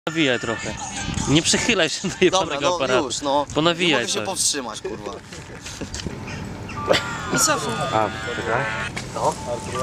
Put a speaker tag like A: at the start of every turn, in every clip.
A: Nawijaj trochę. Nie przychylaj się do jebanego aparatu.
B: Już, no.
A: Ponawijaj
B: nie mogę się
A: coś.
B: powstrzymać, kurwa.
C: I cofuj.
D: A, czekaj.
B: No.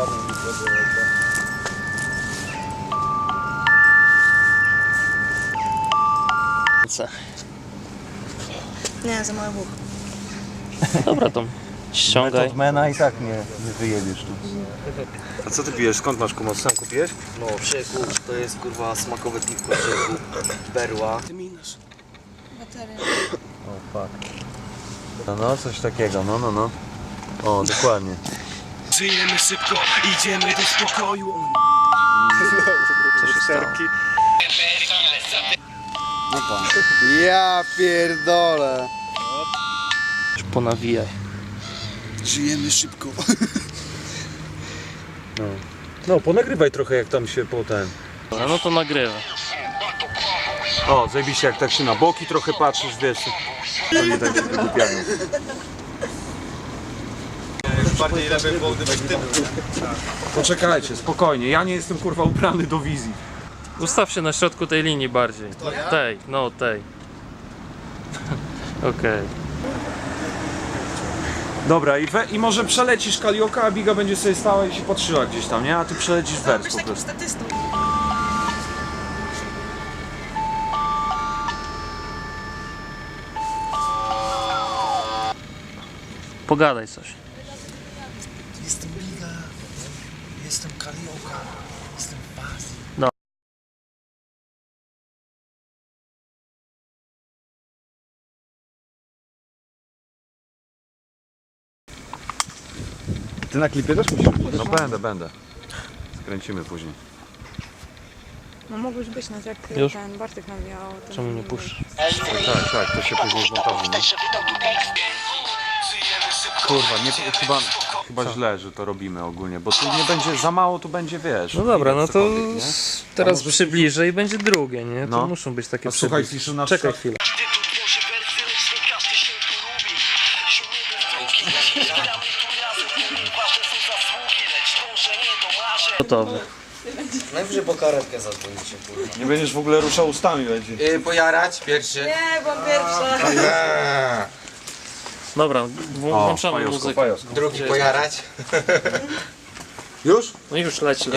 C: Nie, za mały buch.
A: Dobra, to ściągaj.
D: Mena i tak nie wyjedziesz tu. A co ty pijesz? Skąd masz kumot? Sam kupiłeś?
B: No, Przeku, to jest kurwa smakowe piwko Przeku. Berła.
C: Bateria.
D: O, fuck. No, coś takiego, no. O, dokładnie.
E: Żyjemy szybko, idziemy do spokoju.
A: Co się stało?
B: No pan.
F: Ja pierdolę.
A: Ponawijaj.
F: Żyjemy szybko.
D: No, ponagrywaj trochę jak tam się potem.
A: No to nagrywa.
D: O, zajebiście jak tak się na boki trochę patrzysz, wiesz. To nie tak się wygłupiają. Poczekajcie, spokojnie, ja nie jestem kurwa ubrany do wizji.
A: Ustaw się na środku tej linii bardziej. Tej, no tej. Okej.
D: Dobra, i może przelecisz Kalioka, a Biga będzie sobie stała i się patrzyła gdzieś tam, nie? A ty przelecisz wers
C: Być
D: po
C: takim
D: prostu.
C: statystą.
A: Pogadaj coś.
E: Jestem Biga, jestem Kalioka, jestem Bazi.
F: Ty na klipie też musisz być?
D: No będę. Skręcimy później.
C: No mogłeś być nas jak
A: Już?
C: ten Bartek nawijał. ten-
A: Czemu nie puszczasz?
D: Tak, to się później zmontażuje. Nie? Kurwa, nie, chyba źle, że to robimy ogólnie, bo tu nie będzie, za mało tu będzie, wiesz.
A: No dobra, no to
D: cokolwiek, nie?
A: teraz przybliżę i będzie drugie, nie? To
D: No.
A: muszą być takie
D: A słuchaj,
A: przybliżenia.
D: Fiszu, na
A: Czekaj
D: przykład-
A: chwilę. Gotowy.
B: Najwyżej po karetkę zadzwonicie, kurwa.
D: Nie będziesz w ogóle ruszał ustami, będzie.
B: Pojarać pierwszy.
C: Nie, byłam pierwsza.
A: Dobra, włączamy
D: fajowsko,
A: muzykę.
D: fajowsko.
B: Drugi pojarać.
F: Już?
A: No i już leci.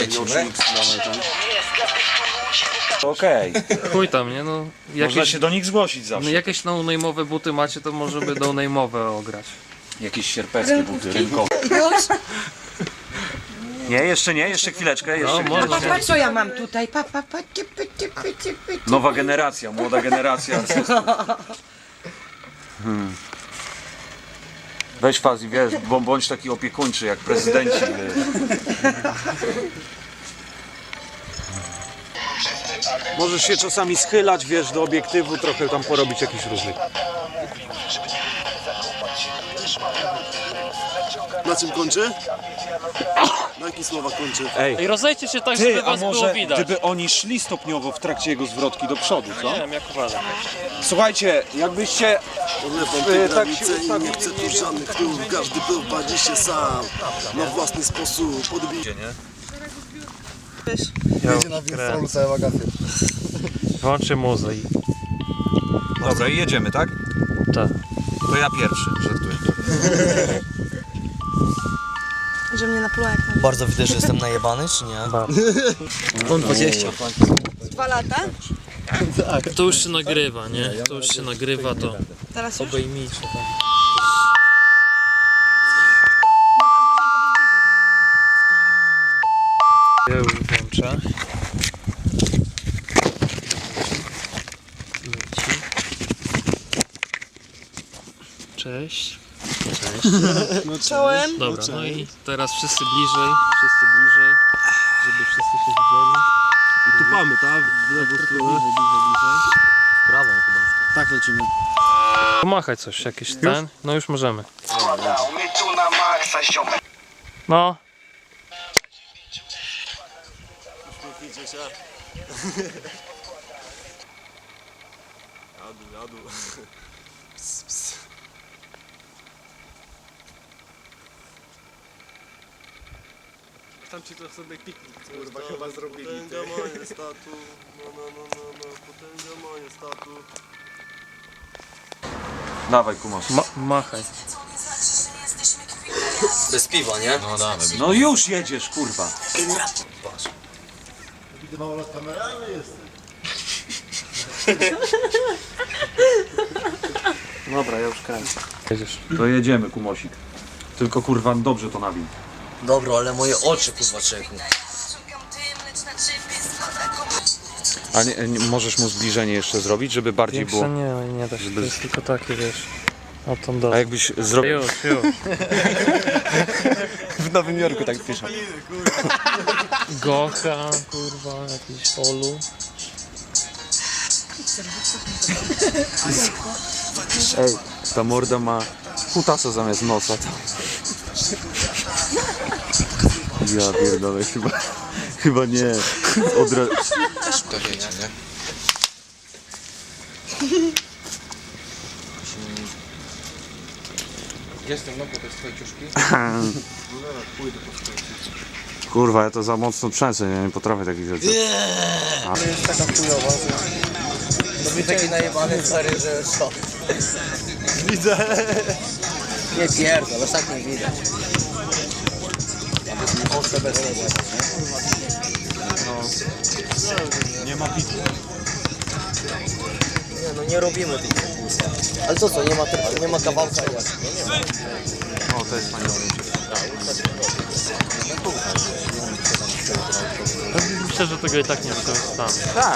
D: Okej,
A: Chuj tam, nie? No,
D: można
A: jakieś,
D: się do nich zgłosić
A: no,
D: zawsze.
A: jakieś no-name'owe buty macie, to może by no-name'owe ograć.
D: Jakieś sierpeckie buty, rynkowe.
C: Już?
D: Nie, jeszcze chwileczkę,
A: No, można.
G: Patrz co ja mam tutaj,
D: Nowa generacja, młoda generacja. Weź Fazi, wiesz, bądź taki opiekuńczy jak prezydenci. Możesz się czasami schylać, wiesz, do obiektywu, trochę tam porobić jakiś różnych.
F: Na czym kończy? Na jakich słowach kończy?
A: Ej, rozejdźcie się tak, żeby
D: Ty, a
A: was było
D: może
A: widać.
D: gdyby oni szli stopniowo w trakcie jego zwrotki do przodu, co?
A: Nie wiem, jak uważam.
D: Słuchajcie, jakbyście
F: Odlepam te
D: tak się
F: granice i nie
D: ustawili
F: chcę
D: mniej
F: tu żadnych tłum. Każdy prowadzi się sam. Na własny sposób podbije. Jedzie na wirstolu całe wakacje.
A: Włączę muzę i...
D: Dobra, i jedziemy, tak?
A: Tak.
D: To ja pierwszy, żartuję.
C: Że mnie napluła jak na
B: Bardzo widać, że jestem najebany, czy nie?
A: On 20.
C: 2 lata.
A: To już się nagrywa, nie? To już się nagrywa, to
C: Teraz już?
A: obejmijcie tam. Ja już włączę. Leci. Cześć. Cześć.
C: Czołem.
A: Dobra, no i teraz wszyscy bliżej, żeby wszyscy się widzieli.
F: I tupamy, tak? W lewą stronę.
A: W prawą chyba.
F: Tak lecimy.
A: Pomachaj coś, jakiś ten. No już możemy. No.
E: tam czy to sobie piknik, kurwa, chyba zrobili.
F: Potęga majestatu, potęga majestatu.
D: Dawaj, kumasz.
A: Machaj.
B: Bez piwa, nie?
D: No już jedziesz, kurwa.
F: Widzę mało lat kameralny jest.
A: Dobra, ja już kręcę. Jedziesz.
D: To jedziemy, kumosik. Tylko kurwa dobrze to nawin.
B: Dobro, ale moje oczy kurwa czekły.
D: A możesz mu zbliżenie jeszcze zrobić, żeby bardziej
A: Większe nie da się, to jest tylko takie, wiesz. O tą
D: A
A: dole.
D: jakbyś zrobił...
A: Już. W Nowym Jorku tak piszą. Gocha, kurwa, jakiś Olu.
D: Ej, ta morda ma kutasa zamiast nosa. Ja pierdolę, chyba nie.
G: To wiecie, nie? Jestem, no bo to jest twoje ciuszki.
D: Kurwa, ja to za mocno trzęsę, nie potrafię takich rzeczy.
B: To taki najebany stary, że co? Widzę. Nie pierdol, aż tak nie widać. Ostrze bez tego.
D: Nie ma pitu.
B: Nie no, nie robimy tych. Ale to co, nie ma kawałka jak?
D: O, to jest fajne.
A: Myślę, że tego i tak nie wykorzystamy.